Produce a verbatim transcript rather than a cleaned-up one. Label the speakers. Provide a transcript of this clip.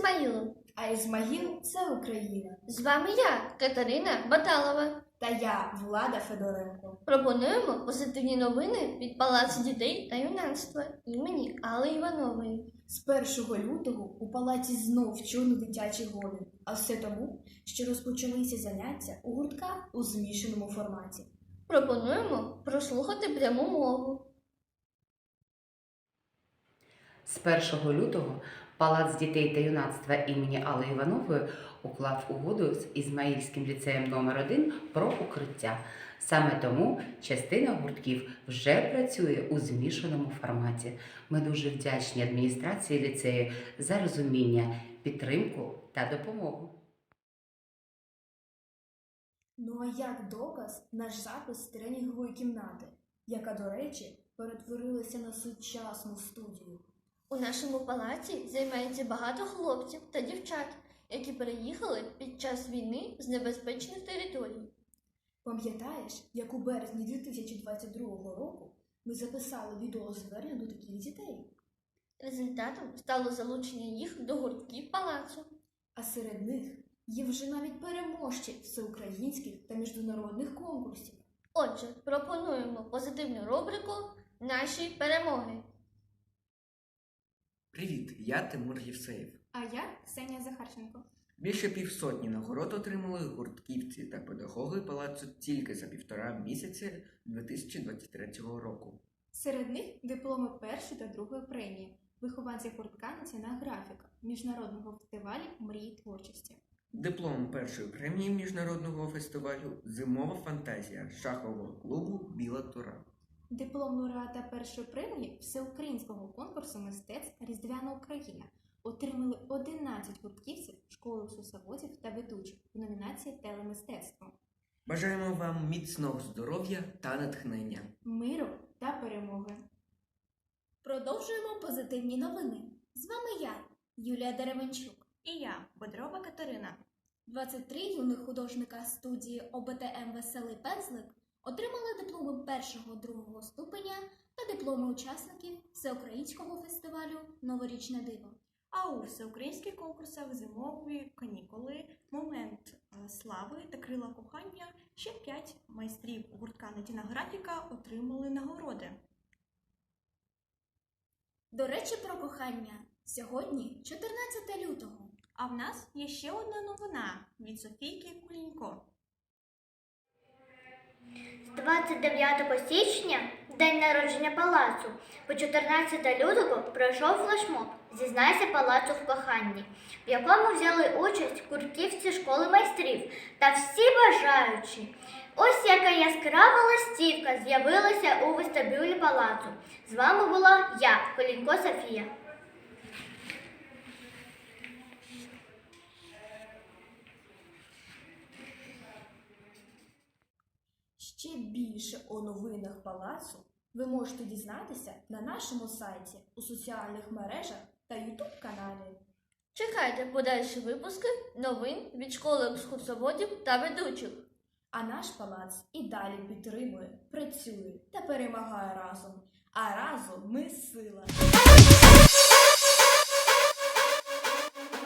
Speaker 1: Ізмаїлом.
Speaker 2: А Ізмаїл – це Україна.
Speaker 1: З вами я, Катерина Баталова.
Speaker 2: Та я, Влада Федоренко.
Speaker 1: Пропонуємо позитивні новини від Палацу дітей та юнацтва імені Алли Іванової.
Speaker 2: З першого лютого у палаці знов чули дитячий гомін. А все тому, що розпочалися заняття у гуртках у змішаному форматі.
Speaker 1: Пропонуємо прослухати пряму мову.
Speaker 3: З першого лютого Палац дітей та юнацтва імені Алли Іванової уклав угоду з Ізмаїльським ліцеєм номер один про укриття. Саме тому частина гуртків вже працює у змішаному форматі. Ми дуже вдячні адміністрації ліцею за розуміння, підтримку та допомогу.
Speaker 2: Ну а як доказ наш запис з тренінгової кімнати, яка, до речі, перетворилася на сучасну студію.
Speaker 1: У нашому палаці займається багато хлопців та дівчат, які переїхали під час війни з небезпечних територій.
Speaker 2: Пам'ятаєш, як у березні дві тисячі двадцять другого року ми записали відеозвернення до таких дітей?
Speaker 1: Результатом стало залучення їх до гуртків палацу.
Speaker 2: А серед них є вже навіть переможці всеукраїнських та міжнародних конкурсів.
Speaker 1: Отже, пропонуємо позитивну рубрику «Наші перемоги».
Speaker 4: Привіт, я Тимур Євсеєв.
Speaker 2: А я Ксенія Захарченко.
Speaker 4: Більше півсотні нагород отримали гуртківці та педагоги палацу тільки за півтора місяці дві тисячі двадцять третього року.
Speaker 2: Серед них дипломи першої та другої премії, вихованці гуртка «Національна графіка» Міжнародного фестивалю «Мрії творчості».
Speaker 4: Диплом першої премії міжнародного фестивалю «Зимова фантазія» шахового клубу «Біла тура».
Speaker 2: Диплом лауреата першої премії всеукраїнського конкурсу мистецтв «Різдвяна Україна» отримали одинадцять гуртківців школи екскурсоводів та ведучих у номінації «Телемистецтво».
Speaker 4: Бажаємо вам міцного здоров'я та натхнення.
Speaker 2: Миру та перемоги.
Speaker 5: Продовжуємо позитивні новини. З вами я, Юлія Деревенчук.
Speaker 6: І я, Бодрова Катерина.
Speaker 5: двадцять три юних художника студії О Б Т М «Веселий пензлик» отримали дипломи першого-другого ступеня та дипломи учасників Всеукраїнського фестивалю «Новорічне диво».
Speaker 6: А у всеукраїнських конкурсах «Зимові канікули», «Момент слави» та «Крила кохання» ще п'ять майстрів гуртка «Національна графіка» отримали нагороди.
Speaker 5: До речі про кохання. Сьогодні чотирнадцяте лютого.
Speaker 6: А в нас є ще одна новина від Софійки Кулінько.
Speaker 7: З двадцять дев'ятого січня, день народження палацу, по чотирнадцяте лютого пройшов флешмоб «Зізнайся палацу в коханні», в якому взяли участь гуртківці школи майстрів та всі бажаючі. Ось яка яскрава листівка з'явилася у вестибюлі палацу. З вами була я, Колінько Софія.
Speaker 2: Ще більше о новинах палацу ви можете дізнатися на нашому сайті, у соціальних мережах та ютуб-каналі.
Speaker 1: Чекайте подальші випуски новин від школи екскурсоводів та ведучих.
Speaker 2: А наш палац і далі підтримує, працює та перемагає разом. А разом ми сила.